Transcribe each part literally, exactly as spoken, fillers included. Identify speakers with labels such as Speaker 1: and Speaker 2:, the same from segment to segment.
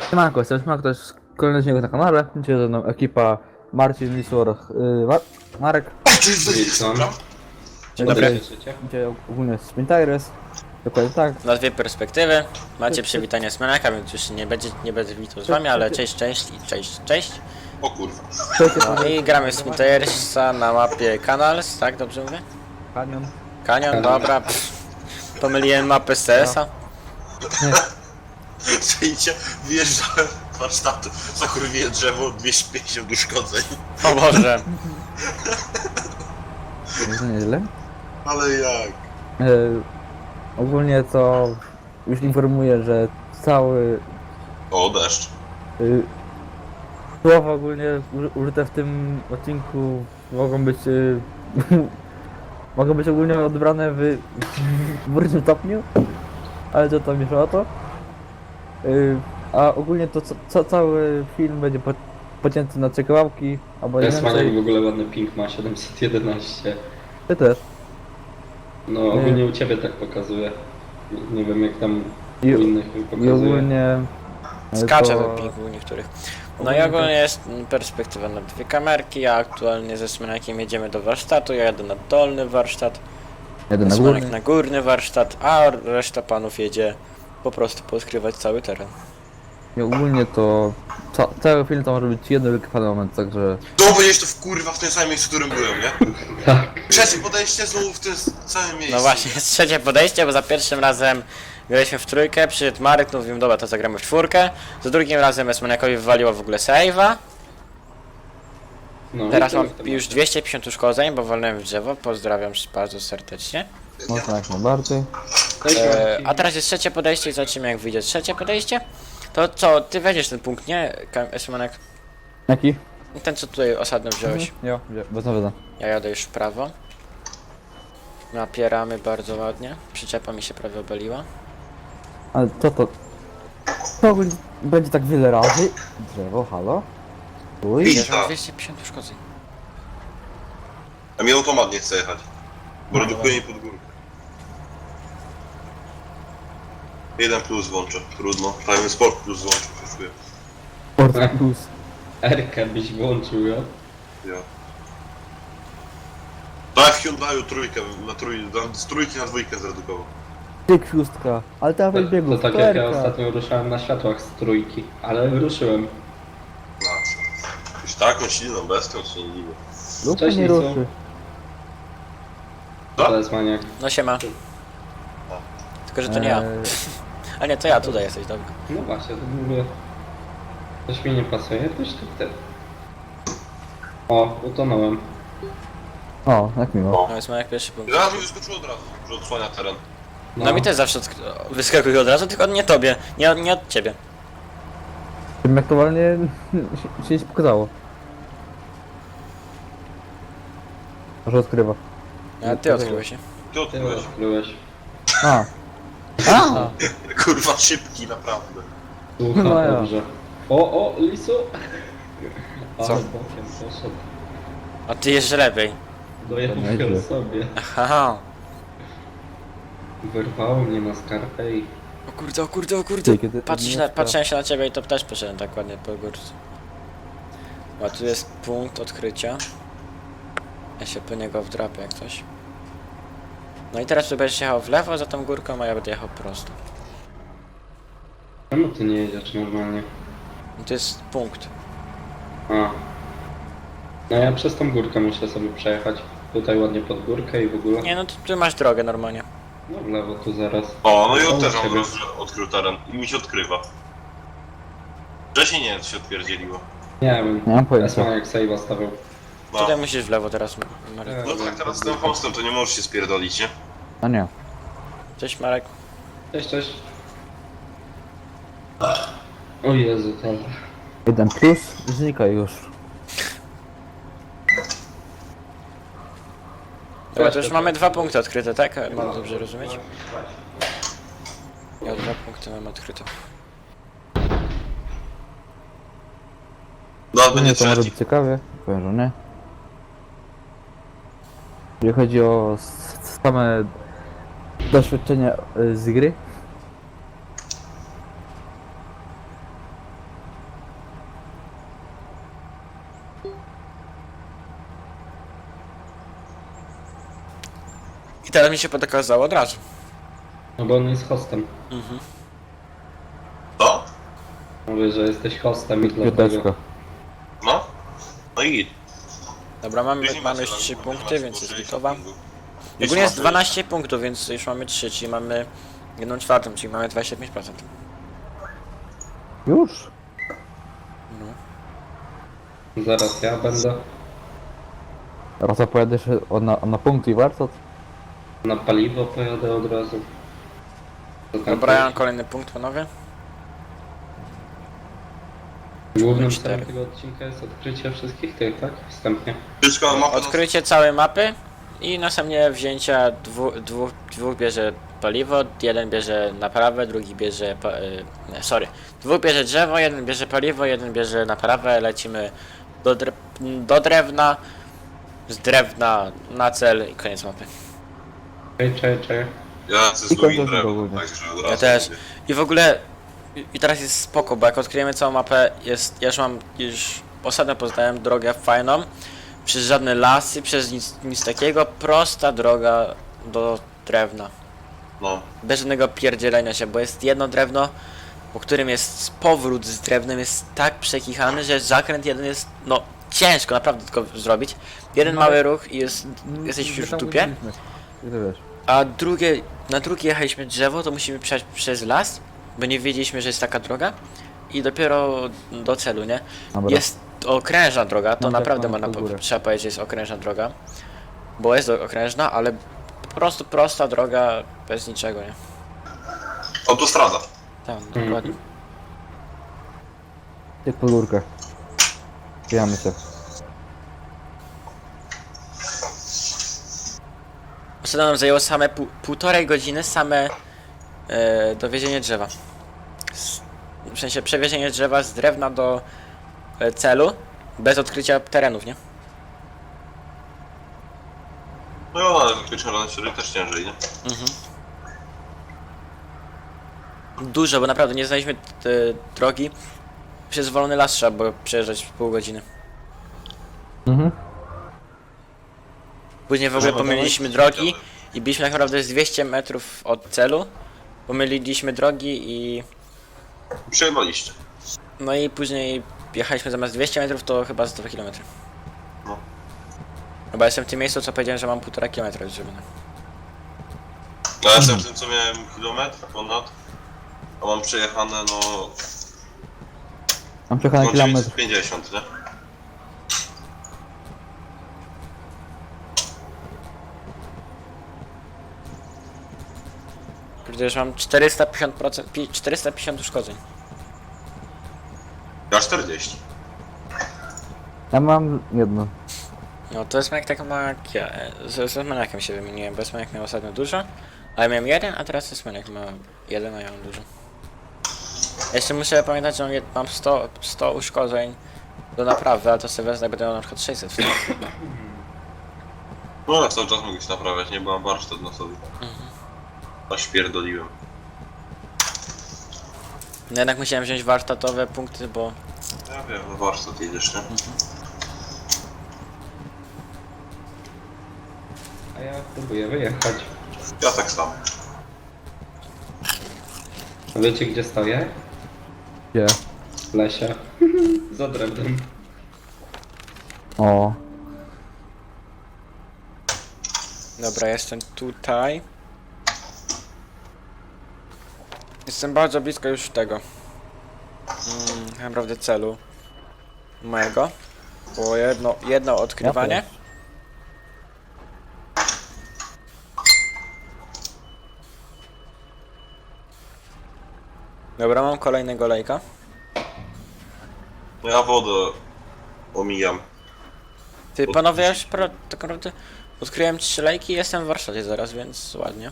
Speaker 1: Siemanko, jestem Siemanko, to jest kolejny odcinek na kanale. Dzisiaj ze mną ekipa Marcin, Lisor, yy, Mar Marek.
Speaker 2: Witam.
Speaker 3: Dzień dobry.
Speaker 1: Dzisiaj ogólnie Sprintaires. Dokładnie tak.
Speaker 3: Na dwie perspektywy. Macie przywitanie z Menaka, więc już nie będzie, nie będę witał z wami, ale cześć, cześć i cześć, cześć.
Speaker 2: O kurwa.
Speaker 3: No i gramy w Sprintersa na mapie Canals, tak dobrze mówię?
Speaker 1: Kanion.
Speaker 3: Kanion, dobra. Pff. Pomyliłem mapę z C S a.
Speaker 2: Przyjdzie, wjeżdżałem w warsztatu, zakurwiłem drzewo, dwieście pięćdziesiąt uszkodzeń.
Speaker 3: O Boże.
Speaker 1: To nieźle.
Speaker 2: Ale jak?
Speaker 1: Yy, ogólnie to już informuję, że cały
Speaker 2: O, deszcz.
Speaker 1: yy, słowa ogólnie uży- użyte w tym odcinku mogą być yy, mogą być ogólnie odebrane w, w różnym stopniu, ale to tam mniejsza o to. Yy, a ogólnie to ca ca cały film będzie po pocięty na trzy kawałki, albo nie
Speaker 4: Jasmaniak w
Speaker 1: więcej.
Speaker 4: ogóle ładny ping ma, siedemset jedenaście.
Speaker 1: Ty też.
Speaker 4: No ogólnie u ciebie tak pokazuje. Nie wiem jak tam u
Speaker 1: I,
Speaker 4: innych
Speaker 1: i
Speaker 4: pokazuje.
Speaker 1: ogólnie... e,
Speaker 3: Skacze
Speaker 1: to-
Speaker 3: ten ping u niektórych. No i ogólnie jest perspektywa na dwie kamerki, a aktualnie ze Smenakiem jedziemy do warsztatu, ja jadę na dolny warsztat,
Speaker 1: Jeden na
Speaker 3: Smenak
Speaker 1: górny.
Speaker 3: na górny warsztat, a reszta panów jedzie po prostu poskrywać cały teren.
Speaker 1: I ogólnie to... Ca cały film to może być jeden wielki moment, także...
Speaker 2: No będziesz to w kurwa w tym samym miejscu, w którym byłem, nie?
Speaker 4: Tak.
Speaker 2: Trzecie podejście znowu w tym s- samym miejscu.
Speaker 3: No właśnie, jest trzecie podejście, bo za pierwszym razem graliśmy w trójkę, przyszedł Marek, no mówimy, dobra, to zagramy w czwórkę. Za drugim razem Esmaniakowi wywaliło w ogóle save'a.
Speaker 4: No,
Speaker 3: Teraz
Speaker 4: i
Speaker 3: mam
Speaker 4: to-
Speaker 3: już dwieście pięćdziesiąt uszkodzeń, bo walnąłem w drzewo, pozdrawiam bardzo serdecznie.
Speaker 1: Mocno jak najbardziej.
Speaker 4: Cześć,
Speaker 3: E,
Speaker 4: Marcin.
Speaker 3: a teraz jest trzecie podejście i zobaczymy jak wyjdzie trzecie podejście. To co, ty weźmiesz ten punkt, nie, Esmanek?
Speaker 1: Jaki?
Speaker 3: Ten co tutaj osadno wziąłeś.
Speaker 1: Jo, bez nawiedzenia.
Speaker 3: Ja jadę już w prawo. Napieramy bardzo ładnie, przyczepa mi się prawie obaliła.
Speaker 1: Ale to to... To ogólnie będzie tak wiele razy. Drzewo, halo? Uj.
Speaker 3: Wiesz, mam
Speaker 2: Tak.
Speaker 3: dwieście pięćdziesiąt uszkodzeń.
Speaker 2: A mi automat nie chce jechać. Bo redukuje mi pod górkę. Jeden plus włączę, trudno. Prawie sport plus włączę, przeszuję.
Speaker 1: Sport plus.
Speaker 4: Erkę byś włączył, jo?
Speaker 2: Ja. Tak w Hyundai'u trójkę, na trój, na- z trójki na dwójkę zredukował.
Speaker 1: Tyk szóstka. Ale ta
Speaker 4: To,
Speaker 1: wybiegł.
Speaker 4: to tak jak ja ostatnio ruszałem na światłach z trójki, ale ruszyłem.
Speaker 2: Na co? Już taką silną bestią się nie dziwię.
Speaker 1: Lub
Speaker 4: Cześć,
Speaker 1: nie
Speaker 4: Lisu.
Speaker 1: ruszy.
Speaker 2: Co?
Speaker 4: To jest maniak.
Speaker 3: No siema. Tylko, że to nie ja.
Speaker 1: Eee,
Speaker 3: A nie, to ja, tutaj jesteś, dobra.
Speaker 4: No właśnie, to mówię. Coś mi nie pasuje, coś tu ty. O, utonąłem.
Speaker 1: O, jak miło.
Speaker 3: No jest jak pierwszy punkt.
Speaker 2: Zaraz mi wyskoczyło od razu, że odsłania teren.
Speaker 3: No mi też zawsze odsk- wyskakuje od razu, tylko nie tobie, nie, nie od ciebie.
Speaker 1: Tym jak aktualnie się, się nie pokazało. Może odkrywa.
Speaker 3: A ty odkryłeś się.
Speaker 2: Ty
Speaker 4: Ty
Speaker 2: odkryłeś.
Speaker 4: odkryłeś.
Speaker 1: A. A!
Speaker 2: Kurwa szybki, naprawdę.
Speaker 4: Słucha,
Speaker 1: No ja.
Speaker 4: dobrze. O, o, lisu!
Speaker 3: Co?
Speaker 4: Ale bokiem poszedł.
Speaker 3: A ty jeszcze lepiej.
Speaker 4: Dojechał
Speaker 1: Nieźle.
Speaker 4: sobie.
Speaker 3: Aha.
Speaker 4: Wyrwało mnie na skarpę i...
Speaker 3: O kurde, o kurde, o kurde.
Speaker 1: Ty, kiedy-
Speaker 3: Patrzysz na, patrzyłem się na ciebie i to też poszedłem tak ładnie po górce. A tu jest punkt odkrycia. Ja się po niego wdrapię jak coś. No i teraz tu będziesz jechał w lewo za tą górką, a ja będę jechał prosto.
Speaker 4: Czemu ty nie jedziesz normalnie?
Speaker 3: I to jest punkt.
Speaker 4: A. No ja przez tą górkę muszę sobie przejechać. Tutaj ładnie pod górkę i w ogóle.
Speaker 3: Nie no, tu, tu masz drogę normalnie.
Speaker 4: No w lewo tu zaraz.
Speaker 2: O, no i
Speaker 4: O,
Speaker 2: on też
Speaker 4: ciebie.
Speaker 2: on roz, odkrył teren i mi się odkrywa. Wcześniej nie, to się odpierdzieliło.
Speaker 4: Nie wiem.
Speaker 1: Nie mam pojęcia.
Speaker 4: Esma jak save'a stawiał.
Speaker 2: No.
Speaker 3: Tutaj musisz w lewo teraz, Marek.
Speaker 4: Tak.
Speaker 2: No tak, teraz z tym hostem to nie możesz się spierdolić, nie?
Speaker 1: A nie.
Speaker 3: Cześć Marek.
Speaker 4: Cześć, cześć. O Jezu, ten.
Speaker 1: Jeden plus znika już.
Speaker 3: Dobra, to już mamy dwa punkty odkryte, tak? Mam dobrze rozumieć? Ja dwa punkty mam odkryte.
Speaker 2: No,
Speaker 1: Nie,
Speaker 2: będzie
Speaker 1: to może
Speaker 2: trzeci.
Speaker 1: być ciekawie. Powiem, że nie. Jeżeli chodzi o s- same doświadczenia y, z gry,
Speaker 3: I teraz mi się pokazało od razu.
Speaker 4: No bo on jest hostem.
Speaker 3: Mhm.
Speaker 2: Co?
Speaker 4: Mówię, że jesteś hostem i dlatego...
Speaker 1: Piąteczka.
Speaker 2: No? No i git.
Speaker 3: Dobra, mamy,
Speaker 2: Później
Speaker 3: mamy
Speaker 2: macie
Speaker 3: już trzy
Speaker 2: na-
Speaker 3: punkty,
Speaker 2: macie
Speaker 3: więc
Speaker 2: po
Speaker 3: jest
Speaker 2: sześćdziesiąt
Speaker 3: gotowa.
Speaker 2: punktów.
Speaker 3: Ogólnie jest
Speaker 2: Jeszcze
Speaker 3: dwanaście punktów, więc już mamy trzy, czyli mamy jedną czwartą, czyli mamy dwadzieścia pięć procent.
Speaker 1: Już?
Speaker 3: No.
Speaker 4: Zaraz ja będę
Speaker 1: Raz opowiadasz o, na, na punkt i warsztat?
Speaker 4: na paliwo, pojadę od razu. Co tam
Speaker 3: Dobra, ja mam
Speaker 4: też?
Speaker 3: kolejny punkt, panowie.
Speaker 4: Głównym
Speaker 3: cztery.
Speaker 4: celem tego odcinka jest odkrycie wszystkich tych, tak? Wstępnie.
Speaker 2: Wszystko mapę
Speaker 3: Odkrycie całej mapy i następnie wzięcia dwu, dwóch, dwóch bierze paliwo, jeden bierze naprawę, drugi bierze, pa, y, nie, sorry, dwóch bierze drzewo, jeden bierze paliwo, jeden bierze naprawę, lecimy do, dre, do drewna, z drewna na cel i koniec mapy.
Speaker 4: Czekaj, czekaj, czekaj.
Speaker 2: Ja ze
Speaker 1: I
Speaker 2: złym
Speaker 1: kończę
Speaker 2: drewnem,
Speaker 1: ogólnie.
Speaker 2: także od
Speaker 3: Ja
Speaker 2: razu
Speaker 3: też.
Speaker 2: mówię.
Speaker 3: I w ogóle, i- i teraz jest spoko, bo jak odkryjemy całą mapę, jest, ja już mam, już ostatnio poznałem drogę fajną, przez żadne lasy, przez nic, nic takiego, prosta droga do drewna.
Speaker 2: No.
Speaker 3: Bez żadnego pierdzielenia się, bo jest jedno drewno, po którym jest powrót z drewnem, jest tak przekichany, że zakręt jeden jest, no, ciężko naprawdę tylko zrobić. Jeden
Speaker 1: No,
Speaker 3: mały ruch i jest, jesteś
Speaker 1: My
Speaker 3: już w
Speaker 1: tam
Speaker 3: dupie.
Speaker 1: byliśmy. I to wiesz.
Speaker 3: A drugie, na drugie jechaliśmy drzewo, to musimy przejść przez las, bo nie wiedzieliśmy, że jest taka droga. I dopiero do celu, nie?
Speaker 1: Dobra.
Speaker 3: Jest okrężna droga, to
Speaker 1: No tak,
Speaker 3: naprawdę
Speaker 1: mamy
Speaker 3: można,
Speaker 1: pod
Speaker 3: po,
Speaker 1: górę.
Speaker 3: trzeba powiedzieć, że jest okrężna droga. Bo jest okrężna, ale po prostu prosta droga bez niczego, nie?
Speaker 2: Autostrada.
Speaker 3: Tak, dokładnie.
Speaker 1: Jak pod górkę. Pijamy się.
Speaker 3: Ostatnio nam zajęło same pół, półtorej godziny same e, dowiezienie drzewa. S- W sensie przewiezienie drzewa z drewna do e, celu, bez odkrycia terenów, nie?
Speaker 2: No i ona wyciągana się też ciężej, nie?
Speaker 3: Mhm. Dużo, bo naprawdę nie znaliśmy t- drogi. Przez wolny las trzeba było przejeżdżać pół godziny.
Speaker 1: Mhm.
Speaker 3: Później w ogóle
Speaker 2: Żeby
Speaker 3: pomyliliśmy
Speaker 2: dowieść
Speaker 3: drogi i byliśmy tak naprawdę z dwieście metrów od celu. Pomyliliśmy drogi i...
Speaker 2: Przejebaliście.
Speaker 3: No i później jechaliśmy zamiast dwieście metrów, to chyba z dwa kilometry.
Speaker 2: No.
Speaker 3: Chyba jestem w tym miejscu, co powiedziałem, że mam półtora kilometra już zrobione.
Speaker 2: No ja jestem w tym, co miałem kilometr ponad, a mam przejechane, no...
Speaker 1: Mam przejechany
Speaker 2: no
Speaker 1: kilometr.
Speaker 2: dziewięćset pięćdziesiąt, nie?
Speaker 3: Kurde, już mam czterysta pięćdziesiąt procent, pi- czterysta pięćdziesiąt uszkodzeń.
Speaker 2: Ja czterdzieści.
Speaker 1: Ja mam jedno.
Speaker 3: No to jest jak tak ma jak ja. e, Z, z maniakiem się wymieniłem, bo maniak miał ostatnio dużo, ale miałem jeden, a teraz jest maniak ma jeden, a ja mam dużo. Jeszcze muszę pamiętać, że mam, jed- mam sto, sto uszkodzeń do naprawy, ale to sobie wezmę, będę miał na przykład sześćset wtedy.
Speaker 2: No ale cały czas mogę się naprawiać, nie? Bo mam warsztat na sobie. A śpierdoliłem.
Speaker 3: No jednak musiałem wziąć warsztatowe punkty, bo
Speaker 2: Ja wiem, no warsztat jedziesz, nie?
Speaker 4: A ja próbuję wyjechać.
Speaker 2: Ja tak samo.
Speaker 4: A wiecie gdzie stoję?
Speaker 1: Gdzie?
Speaker 4: W lesie. Za drewnem.
Speaker 1: O.
Speaker 3: dobra, jestem tutaj. Jestem bardzo blisko już tego. Mm, tak naprawdę celu mojego. Było jedno, jedno odkrywanie.
Speaker 1: Ja też.
Speaker 3: Dobra, mam kolejnego lejka.
Speaker 2: No ja wodę omijam.
Speaker 3: Ty panowie, ja już pro, tak naprawdę odkryłem trzy lejki i jestem w warsztacie zaraz, więc ładnie.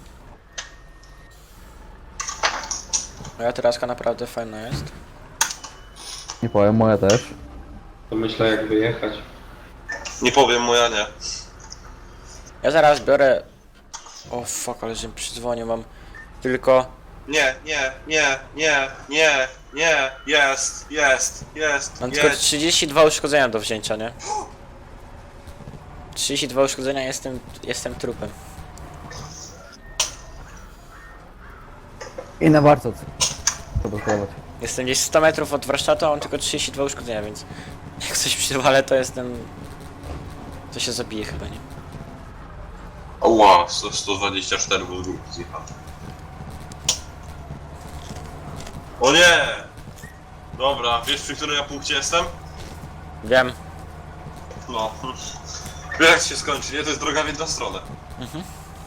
Speaker 3: Moja teraska naprawdę fajna jest.
Speaker 1: Nie powiem, moja też.
Speaker 4: To myślę jak wyjechać.
Speaker 2: Nie powiem, moja nie.
Speaker 3: Ja zaraz biorę... O fuck, ale że mi przydzwonił, mam tylko...
Speaker 2: Nie, nie, nie, nie, nie, Nie, jest, jest, jest,
Speaker 3: Mam tylko
Speaker 2: jest.
Speaker 3: trzydzieści dwa uszkodzenia do wzięcia, nie? trzydzieści dwa uszkodzenia, jestem, jestem trupem.
Speaker 1: I na warsztat. Trzeba skierować.
Speaker 3: Jestem gdzieś sto metrów od warsztatu, a mam tylko trzydzieści dwa uszkodzenia, więc jak coś przywalę, to jestem... To się zabije chyba, nie?
Speaker 2: Oła, sto- sto dwadzieścia cztery był ruch zjechany. O nie! Dobra, wiesz przy którym ja punkcie jestem?
Speaker 3: Wiem.
Speaker 2: No. Wiesz jak się skończy, nie? To jest droga w jedną stronę.
Speaker 3: Mhm.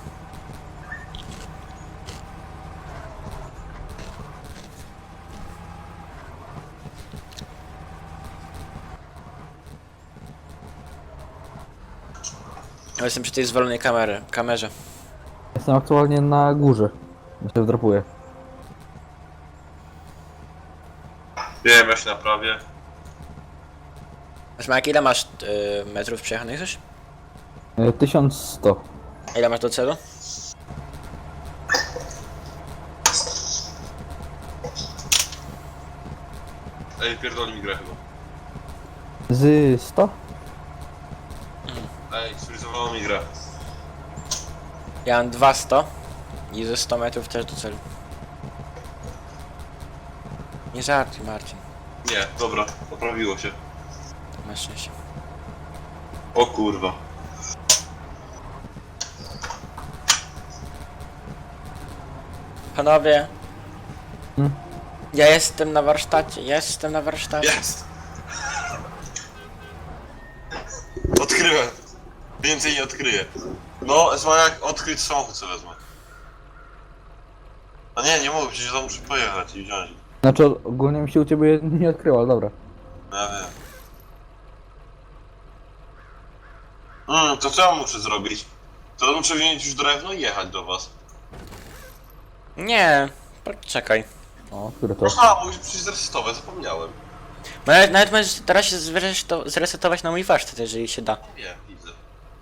Speaker 3: Ja jestem przy tej zwolonej kamery, kamerze.
Speaker 1: Jestem aktualnie na górze. Ja się wdrapuję.
Speaker 2: Wiem, ja się naprawię.
Speaker 3: Smak, ile masz y, metrów przejechanych już?
Speaker 1: E, tysiąc sto.
Speaker 3: A ile masz do celu?
Speaker 2: Ej, pierdoli mi grę chyba.
Speaker 1: Z sto?
Speaker 2: Ej, sfrizowało mi grę.
Speaker 3: Ja mam dwieście i ze sto metrów też do celu. Nie żartuj, Marcin.
Speaker 2: Nie, dobra, poprawiło się.
Speaker 3: Masz szczęście.
Speaker 2: O kurwa.
Speaker 3: Panowie.
Speaker 1: Hmm?
Speaker 3: Ja jestem na warsztacie, jestem na warsztacie.
Speaker 2: Jest! Odkryłem. Więcej nie odkryję. No, jak odkryć samochód sobie wezmę. A nie, nie mogę, przecież tam muszę pojechać i wziąć.
Speaker 1: Znaczy ogólnie mi się u ciebie nie odkryło, ale dobra.
Speaker 2: No ja wiem. Mm, to co ja muszę zrobić? To muszę wziąć już drewno i jechać do was.
Speaker 3: Nie, poczekaj.
Speaker 1: O, które to?
Speaker 2: A, musisz przecież zresetować, zapomniałem.
Speaker 3: Nawet, nawet możesz teraz się zreseto- zresetować na mój warsztat, jeżeli się da.
Speaker 2: Nie, widzę.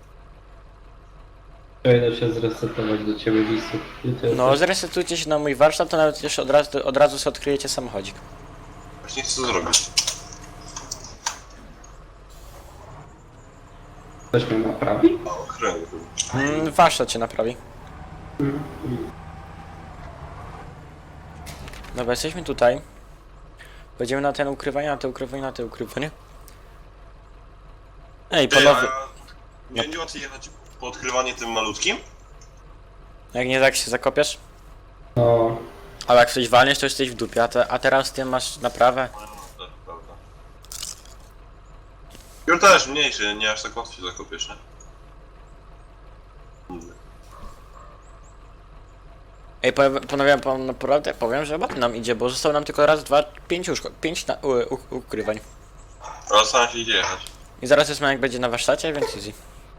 Speaker 4: Przejdę się zresetować do ciebie, Lisu.
Speaker 3: No, zresetujcie się na mój warsztat, to nawet już od razu, od razu sobie odkryjecie samochodzik.
Speaker 2: Właśnie chcę to zrobić.
Speaker 4: Ktoś mnie naprawi?
Speaker 2: O, kręgu.
Speaker 3: Mm, warsztat się naprawi. Dobra, jesteśmy tutaj. Będziemy na ten ukrywanie, na te ukrywanie, na te ukrywanie. Ej,
Speaker 2: Ty,
Speaker 3: panowie,
Speaker 2: a nie będzie łatwiej jechać po odkrywanie tym malutkim?
Speaker 3: jak nie tak się zakopiesz,
Speaker 4: No,
Speaker 3: ale jak coś walniesz, to jesteś w dupie, a, te, a teraz ty masz naprawę.
Speaker 2: No, tak, prawda. Już też mniejszy, nie aż tak łatwo się zakopiesz, nie? Mówię.
Speaker 3: Ej, powiem, panowie, pan naprawdę powiem, że ładnie nam idzie, bo zostało nam tylko raz, dwa, pięć już, pięć na, u, u, ukrywań.
Speaker 2: Ale sam się idzie jechać.
Speaker 3: I zaraz jest jak będzie na warsztacie, więc easy.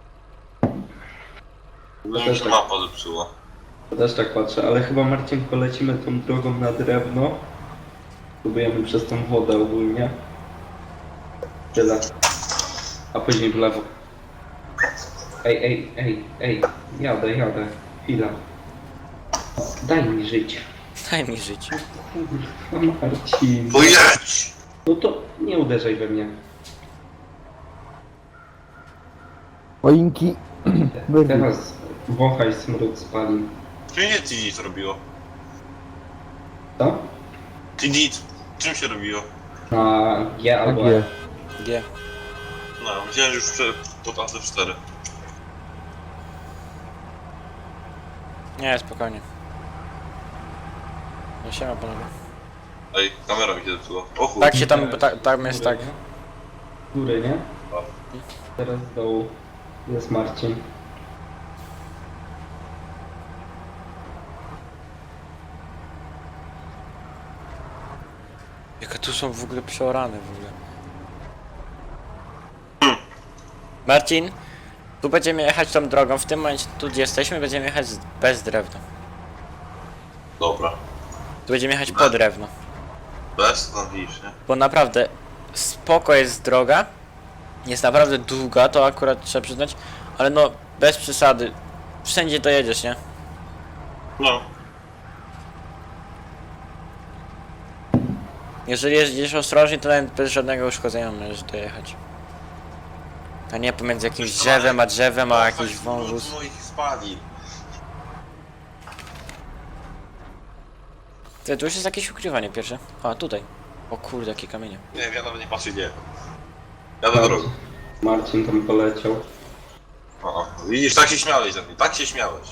Speaker 2: No mi się mapa zepsuła.
Speaker 4: też tak patrzę, ale chyba Marcin polecimy tą drogą na drewno. Próbujemy przez tą wodę ogólnie. Tyle. A później w lewo. Ej, ej, ej, ej, jadę, jadę. Chwila. Daj mi żyć.
Speaker 3: Daj mi żyć.
Speaker 4: Kurwa, Marcin.
Speaker 2: Pojedź!
Speaker 4: No to nie uderzaj we mnie.
Speaker 1: Choinki. Wyrwij.
Speaker 4: Teraz wąchaj smród spalin.
Speaker 2: Czym się Tidit robiło?
Speaker 4: Co?
Speaker 2: Tidit! Czym się robiło?
Speaker 4: Na G albo
Speaker 1: Takie.
Speaker 4: E.
Speaker 3: G.
Speaker 2: No, myślałem, że już prze... pod A C cztery.
Speaker 3: Nie, spokojnie. No siema panowie.
Speaker 2: Ej, kamera mi się zepsuła. O chuj.
Speaker 3: Tak się tam, ta, tam jest tak.
Speaker 4: Góry, nie? Teraz z dołu jest Marcin.
Speaker 3: Jakie tu są w ogóle przeorane w ogóle. Marcin, tu będziemy jechać tą drogą, w tym momencie tu gdzie jesteśmy będziemy jechać z- bez drewna.
Speaker 2: Dobra.
Speaker 3: Tu będziemy jechać po drewno.
Speaker 2: Bez, to tam widzisz, nie?
Speaker 3: Bo naprawdę spoko jest droga. Jest naprawdę długa, to akurat trzeba przyznać. Ale no, bez przesady. Wszędzie dojedziesz, nie?
Speaker 2: No.
Speaker 3: Jeżeli jeździsz ostrożnie, to nawet bez żadnego uszkodzenia możesz dojechać. A nie pomiędzy jakimś drzewem a drzewem, a jakiś wąwóz.
Speaker 2: moich spali.
Speaker 3: Ty, tu już jest jakieś ukrywanie pierwsze. A, tutaj. O kurde, jakie kamienie.
Speaker 2: Nie wiem, ja nawet nie patrzę gdzie. Jadę drogą.
Speaker 4: Marcin tam poleciał.
Speaker 2: O, widzisz, tak się śmiałeś ze mnie, tak się śmiałeś.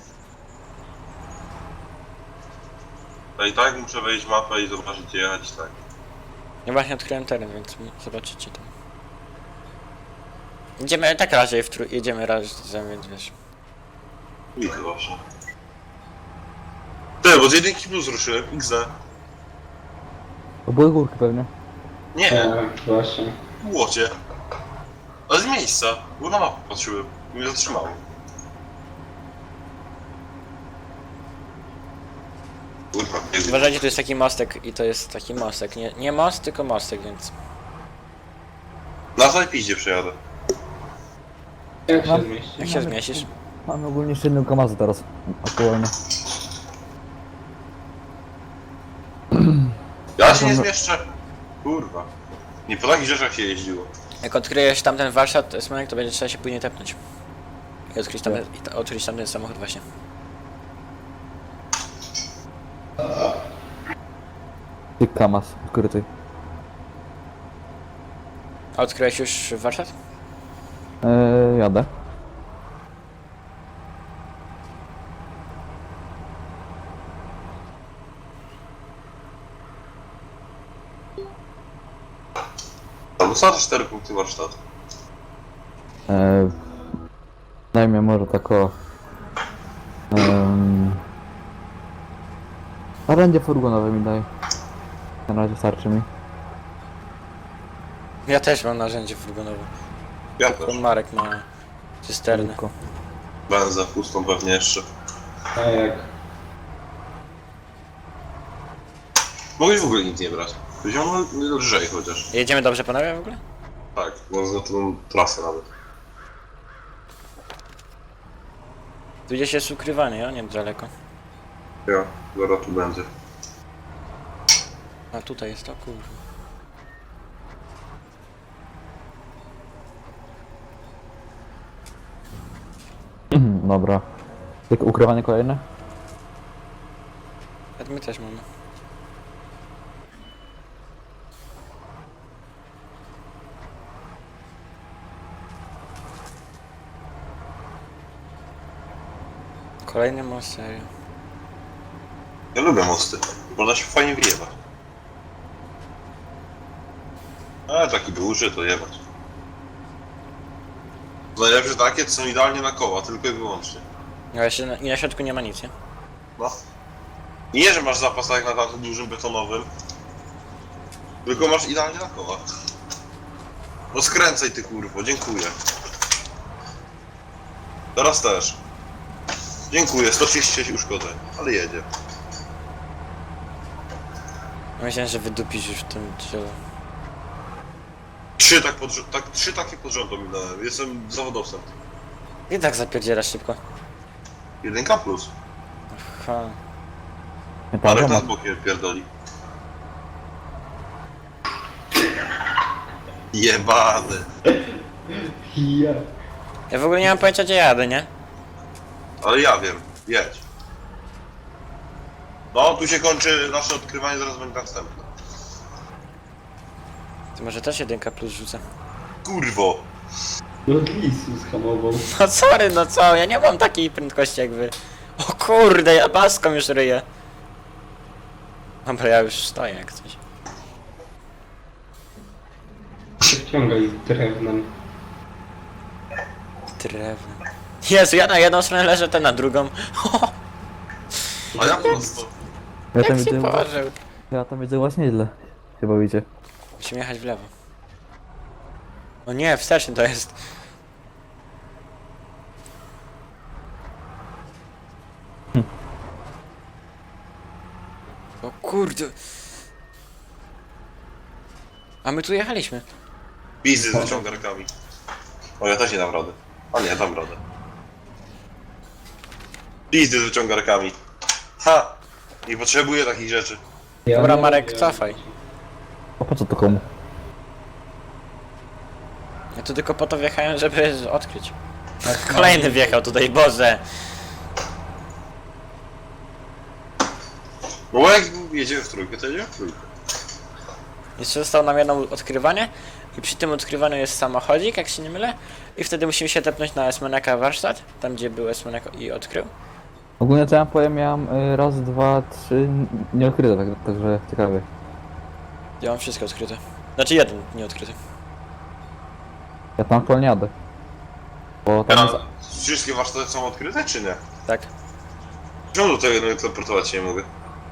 Speaker 2: Ja i tak muszę wejść w mapę i zobaczyć gdzie jechać, tak.
Speaker 3: Ja właśnie odkryłem teren, więc zobaczycie tam. Idziemy tak raczej w trój... jedziemy razem, więc wiesz.
Speaker 2: Widzę właśnie. Ty, bo z jedynki plus ruszyłem, X D.
Speaker 1: To były górki pewnie.
Speaker 2: Nie,
Speaker 4: Tak, właśnie.
Speaker 2: łocie. Ale z miejsca, bo na mapę patrzyłem i mnie zatrzymało. Kurwa, kiedy?
Speaker 3: Uważajcie, tu jest taki mostek i to jest taki mostek. Nie, nie most, tylko mostek, więc...
Speaker 2: Na zajpiździe przejadę.
Speaker 4: Jak się
Speaker 1: Mam-
Speaker 4: zmieści?
Speaker 3: Jak się zmieścisz?
Speaker 1: Mamy ogólnie jeszcze jedną kamazę teraz. Aktualnie.
Speaker 2: Ja się nie zmieszczę. Kurwa. Nie po takich rzeczach się jeździło.
Speaker 3: Jak odkryjesz tamten warsztat, Smonek, to będzie trzeba się później tepnąć. I odkryć tamten, i ta, odkryć tamten samochód właśnie.
Speaker 1: Ty kamaz ukryty.
Speaker 3: A odkryłeś już warsztat?
Speaker 1: Eee, jadę.
Speaker 2: Tam dostałem cztery punkty warsztatu.
Speaker 1: Eee, daj mi może tak o... Um, narzędzie furgonowe mi daj. Na razie starczy mi.
Speaker 3: Ja też mam narzędzie furgonowe.
Speaker 2: Ja
Speaker 3: Tylko
Speaker 2: też.
Speaker 3: Marek ma cysterny.
Speaker 1: Tylko.
Speaker 2: Benzę pustą pewnie jeszcze.
Speaker 4: A jak?
Speaker 2: Mogłeś w ogóle nic nie brać. Wziąłem lżej chociaż.
Speaker 3: Jedziemy dobrze panowie w ogóle?
Speaker 2: Tak, no za tą trasę nawet.
Speaker 3: Tu gdzieś jest ukrywanie, ja nie daleko.
Speaker 2: Ja, zaraz tu będzie.
Speaker 3: A tutaj jest to kurwa.
Speaker 1: Dobra. Tylko ukrywanie kolejne?
Speaker 3: A my też mamy. Kolejny most, serio.
Speaker 2: Ja lubię mosty. Można się fajnie wyjebać. Ale taki duży to jebać. Najlepsze takie, to są idealnie na koła, tylko i wyłącznie.
Speaker 3: No jeszcze na, i na środku nie ma nic, nie?
Speaker 2: No. Nie, że masz zapas tak jak na tamtym dużym betonowym. Tylko masz idealnie na koła. No skręcaj ty kurwo, dziękuję. Teraz też. Dziękuję, sto trzydzieści sześć uszkodzeń, ale jedzie.
Speaker 3: Myślałem, że wydupisz już w tym drzewie.
Speaker 2: Trzy tak pod rząd, tak, trzy takie pod rząd ominąłem. Jestem zawodowcem.
Speaker 3: I tak zapierdzielasz szybko.
Speaker 2: Jedynka plus.
Speaker 3: Ha.
Speaker 1: Nie
Speaker 2: Marek
Speaker 1: pamiętam.
Speaker 2: nas bokiem pierdoli. Jebany.
Speaker 4: Ja.
Speaker 3: Ja w ogóle nie mam pojęcia gdzie jadę, nie?
Speaker 2: Ale ja wiem, jedź. No, tu się kończy nasze odkrywanie, zaraz będzie następne.
Speaker 3: To może też jedynka plus rzucę.
Speaker 2: Kurwo!
Speaker 4: No lisu zhamował.
Speaker 3: No sorry, no co? Ja nie mam takiej prędkości jak wy. O kurde, ja paską już ryję. Dobra, ja już stoję jak coś.
Speaker 4: Wciągaj drewnem.
Speaker 3: Drewno. Jezu, ja na jedną stronę leżę, ten na drugą.
Speaker 2: A ja prosto.
Speaker 1: Ja tam
Speaker 3: Jak się
Speaker 1: widzę,
Speaker 3: położył?
Speaker 1: ja tam widzę właśnie źle. Się bawicie.
Speaker 3: Musimy jechać w lewo. O nie, wsteczny to jest. O kurde. A my tu jechaliśmy.
Speaker 2: Pizzy z wyciągarkami. O, ja też nie dam rady. A nie, dam radę. Pizzy z wyciągarkami. Ha! Nie potrzebuję takich rzeczy.
Speaker 4: Ja
Speaker 3: Dobra,
Speaker 4: nie
Speaker 3: Marek,
Speaker 4: wiem.
Speaker 3: cofaj.
Speaker 1: A po co to komu?
Speaker 3: Ja tu tylko po to wjechałem, żeby odkryć. Kolejny wjechał tutaj, Boże!
Speaker 2: Bo jak jedziemy w trójkę, to jedziemy w trójkę.
Speaker 3: Jeszcze zostało nam jedno odkrywanie i przy tym odkrywaniu jest samochodzik, jak się nie mylę. I wtedy musimy się tepnąć na Esmeneka warsztat, tam gdzie był Esmenek i odkrył.
Speaker 1: Ogólnie co ja powiem, miałem y, raz, dwa, trzy nieodkryte, tak, także ciekawie.
Speaker 3: Ja mam wszystko odkryte. Znaczy jeden nieodkryty.
Speaker 1: Ja tam aktualnie jadę. Bo tam jest...
Speaker 2: Ja, wszystkie warsztaty są odkryte, czy nie?
Speaker 3: Tak.
Speaker 2: Czemu do tego jednego teleportować się nie mogę?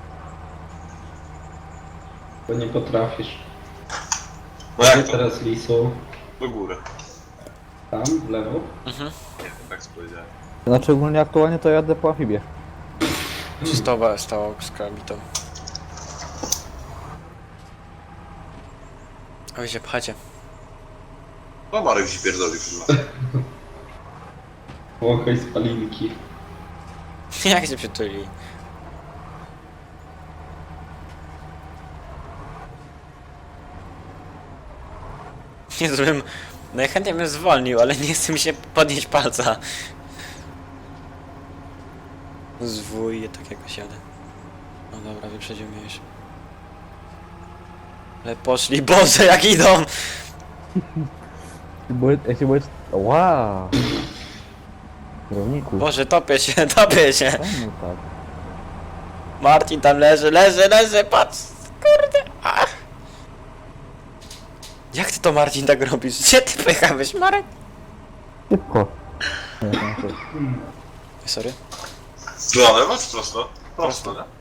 Speaker 4: Bo nie potrafisz.
Speaker 2: No
Speaker 4: Gdzie
Speaker 2: jak to?
Speaker 4: teraz Lisu?
Speaker 2: Do góry.
Speaker 4: Tam, w lewo?
Speaker 3: Mhm.
Speaker 2: Nie wiem, tak co powiedziałem.
Speaker 1: Znaczy ogólnie aktualnie to jadę po amfibię.
Speaker 3: Stało, stało z krabitą. A wy się pchacie.
Speaker 2: No Marek się pierdolił chyba.
Speaker 4: Wąchaj spalinki.
Speaker 3: Jak się przytuli? Nie żebym... Najchętniej bym zwolnił, ale nie chce mi się podnieść palca. Zwój, tak jakoś jadę. No dobra, wyprzedził mnie już. Ale poszli, Boże, jak idą!
Speaker 1: Bo ja się boję... Wow! Kierowniku.
Speaker 3: Boże, topię się, topię się!
Speaker 1: Czemu tak?
Speaker 3: Marcin tam leży, leży, leży, patrz! Kurde! A. Jak ty to, Marcin, tak robisz? Gdzie ty pychałeś, Marek?
Speaker 1: Szybko. Nie, to nie to.
Speaker 3: Sorry.
Speaker 2: Na lewo czy prosto? Prosto, nie?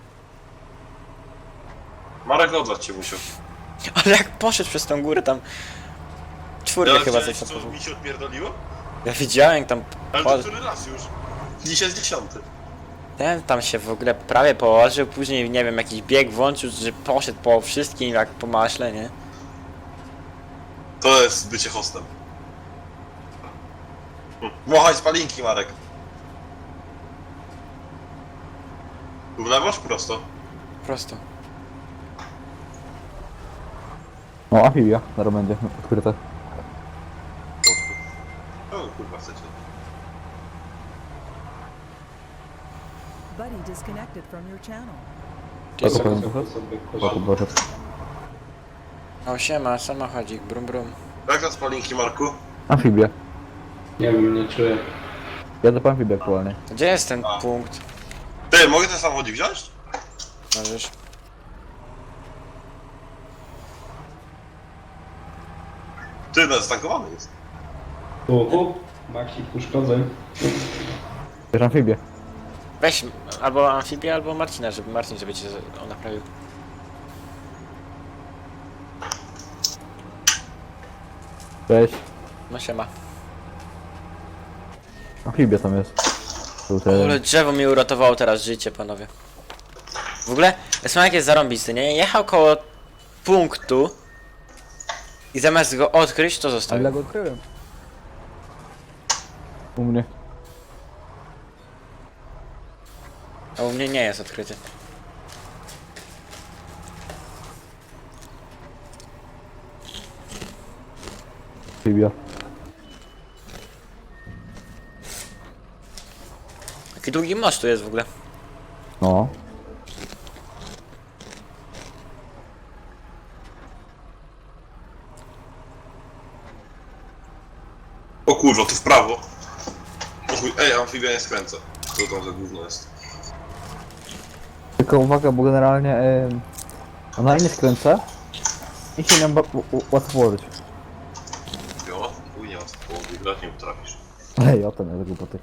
Speaker 2: Marek odlać cię musiał.
Speaker 3: Ale jak poszedł przez tą górę tam... Czwórkę
Speaker 2: Ja
Speaker 3: chyba
Speaker 2: widziałeś,
Speaker 3: coś
Speaker 2: co
Speaker 3: tam
Speaker 2: mi się odpierdoliło?
Speaker 3: Ja widziałem jak tam...
Speaker 2: Ale
Speaker 3: Po...
Speaker 2: to który raz już? Dzisiaj jest dziesiąty.
Speaker 3: Ten tam się w ogóle prawie położył, później nie wiem, jakiś bieg włączył, że poszedł po wszystkim jak po maśle, nie?
Speaker 2: To jest bycie hostem. Hm. Wąchaj spalinki, Marek. Tu w lewo czy prosto?
Speaker 3: Prosto.
Speaker 1: No amfibia, zaraz będzie odkryte.
Speaker 2: O kurwa, chcecie.
Speaker 5: Buddy disconnected from your channel.
Speaker 1: Tak,
Speaker 3: Jest...
Speaker 1: opowiem
Speaker 4: Sobie
Speaker 1: trochę?
Speaker 4: sobie
Speaker 1: Boku, boku.
Speaker 3: O siema, samochodzik, brum brum.
Speaker 2: Jak na spalinki, Marku?
Speaker 1: Amfibia.
Speaker 4: Nie wiem, nie czuję.
Speaker 1: Jadę po amfibię aktualnie.
Speaker 3: Gdzie jest ten
Speaker 2: A.
Speaker 3: punkt?
Speaker 2: Ty, mogę ten samochodzik wziąć?
Speaker 3: Możesz.
Speaker 2: Ty, no zatankowany jest.
Speaker 4: Uhu, Maxi uszkodzeń.
Speaker 1: Bierz amfibię.
Speaker 3: Weź albo amfibię, albo Marcina, żeby Marcin, żeby cię z- on naprawił.
Speaker 1: Cześć.
Speaker 3: No siema.
Speaker 1: Amfibia tam jest. Tutaj.
Speaker 3: Ale drzewo mi uratowało teraz życie, panowie. W ogóle, Esmanek jest zarąbisty, nie? Jechał koło punktu i zamiast go odkryć, to
Speaker 1: Ale ja
Speaker 3: zostawił.
Speaker 1: go odkryłem. U mnie.
Speaker 3: A u mnie nie jest odkryty.
Speaker 1: Amfibia.
Speaker 3: Jaki długi most tu jest w ogóle.
Speaker 1: No.
Speaker 2: O kurwa, tu w prawo. O chuj, ej, amfibia nie skręca. Co tam za gówno jest?
Speaker 1: Tylko uwaga, bo generalnie e, ona nie skręca i się nam ba- u- u- łatwo położyć.
Speaker 2: Jo, chuj nie ma co połowy, grać nie potrafisz.
Speaker 1: Ej, o ten jest głupoty.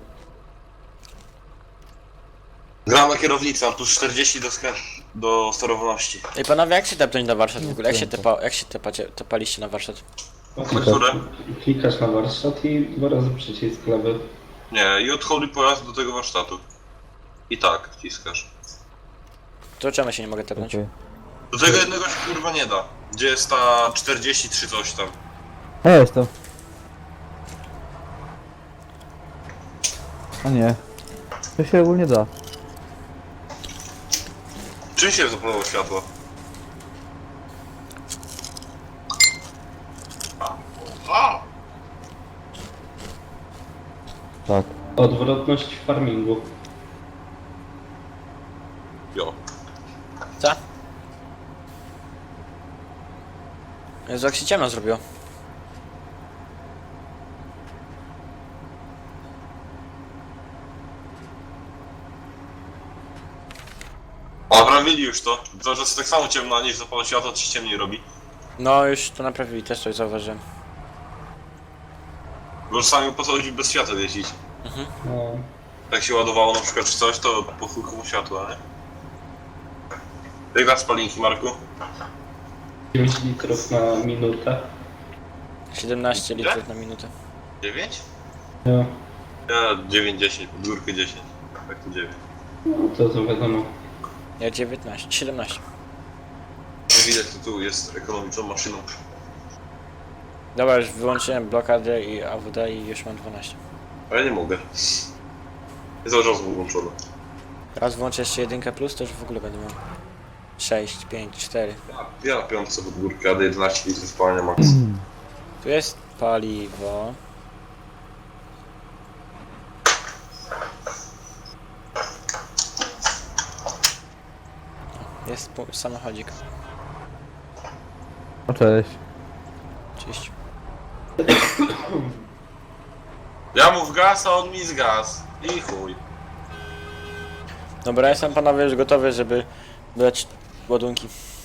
Speaker 2: Gram na kierownicy, mam plus czterdzieści do, skrę... do sterowności.
Speaker 3: Ej panowie, jak się tepnąć na warsztat w ogóle? Jak się,
Speaker 1: Nie
Speaker 3: tepa, jak się tepacie, tepaliście na warsztat?
Speaker 4: Patrz,
Speaker 2: Które?
Speaker 4: klikasz na warsztat i dwa razy przycisk lewy.
Speaker 2: Nie, i odchodzi pojazd do tego warsztatu. I tak, wciskasz.
Speaker 3: To czemu się nie mogę tepnąć?
Speaker 1: Okej.
Speaker 2: Do tego jednego się kurwa nie da. Gdzie jest ta czterdzieści trzy coś tam.
Speaker 1: Ja jestem. A nie. To się ogólnie da.
Speaker 2: Czym się zapalowało światło?
Speaker 1: Tak.
Speaker 4: Odwrotność w farmingu.
Speaker 2: Jo.
Speaker 3: Co? Jezu, jak się ciemno zrobiło.
Speaker 2: A naprawili już to. To, że jest tak samo ciemno, a nie zapala światła, to się ciemniej robi.
Speaker 3: No, już to naprawili, też coś zauważyłem.
Speaker 2: Bo czasami po co chodzi bez światła jeździć.
Speaker 4: No.
Speaker 2: Jak się ładowało na przykład czy coś, to po chuj komu światła, nie? Jak dasz spalinki, Marku?
Speaker 4: dziewięć litrów na minutę.
Speaker 3: siedemnaście litrów na minutę.
Speaker 2: dziewięć?
Speaker 4: No,
Speaker 2: Ja dziewięć dziesięć, pod górkę dziesięć. Tak to dziewięć.
Speaker 4: no to to wiadomo.
Speaker 3: Ja dziewiętnaście, siedemnaście.
Speaker 2: Nie widać, to tu jest ekonomiczną maszyną.
Speaker 3: Dobra, już wyłączyłem blokadę i A W D i już mam dwanaście.
Speaker 2: A ja nie mogę. Jest cały czas włączone.
Speaker 3: Raz włączę jeszcze jedynkę plus, to już w ogóle będę miał sześć, pięć, cztery.
Speaker 2: Ja, ja na piątce pod górkę jadę jedenaście litrów spalania max.
Speaker 3: Tu jest paliwo. Jest pu- samochodzik.
Speaker 1: No cześć.
Speaker 3: Oczywiście.
Speaker 2: Ja mu w gaz, a on mi z gaz. I chuj.
Speaker 3: Dobra, jestem panowie już gotowy, żeby dać ładunki.